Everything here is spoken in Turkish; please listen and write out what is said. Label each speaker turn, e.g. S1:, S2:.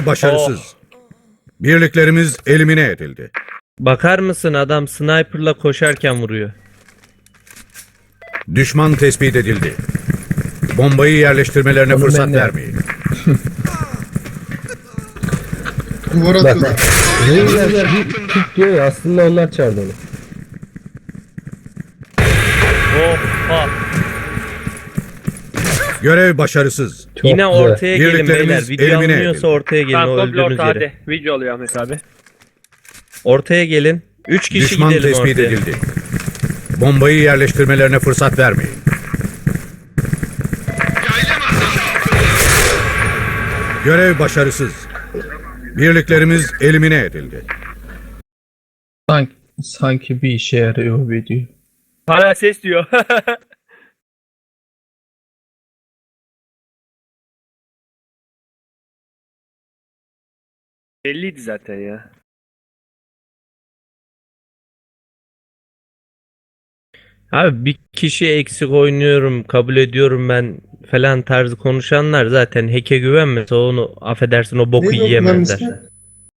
S1: başarısız. Birliklerimiz elimine edildi.
S2: Bakar mısın, adam sniperla koşarken vuruyor.
S1: Düşman tespit edildi. Bombayı yerleştirmelerine
S3: Onu
S1: fırsat
S3: ben de-
S1: vermeyin.
S4: Duvar
S3: Bak
S4: atıyorlar.
S3: bak. Reyna tut diyor ya, aslında onlar çağırdı onu.
S2: Oha.
S1: Görev başarısız.
S3: Çok
S2: Yine
S3: güzel.
S2: ortaya gelin
S1: Birliklerimiz
S2: beyler. Video
S1: elimine
S2: alınıyorsa
S1: edildi.
S2: ortaya gelin,
S5: Tamam
S2: o
S5: komple
S2: öldüğünüz
S5: orta
S2: yere.
S5: hadi. Video oluyor Ahmet abi.
S2: Ortaya gelin. 3 kişi
S1: Düşman
S2: gidelim
S1: tespit
S2: ortaya.
S1: edildi. Bombayı yerleştirmelerine fırsat vermeyin. Görev başarısız. Birliklerimiz elimine edildi.
S6: Sanki bir işe yarıyor video.
S5: Hala ses diyor. Belliydi zaten ya.
S2: Abi bir kişi eksik oynuyorum, kabul ediyorum ben falan tarzı konuşanlar zaten hack'e güvenmese onu affedersin o boku
S4: Neydi o
S2: yiyemezler.
S4: kullanım ismi?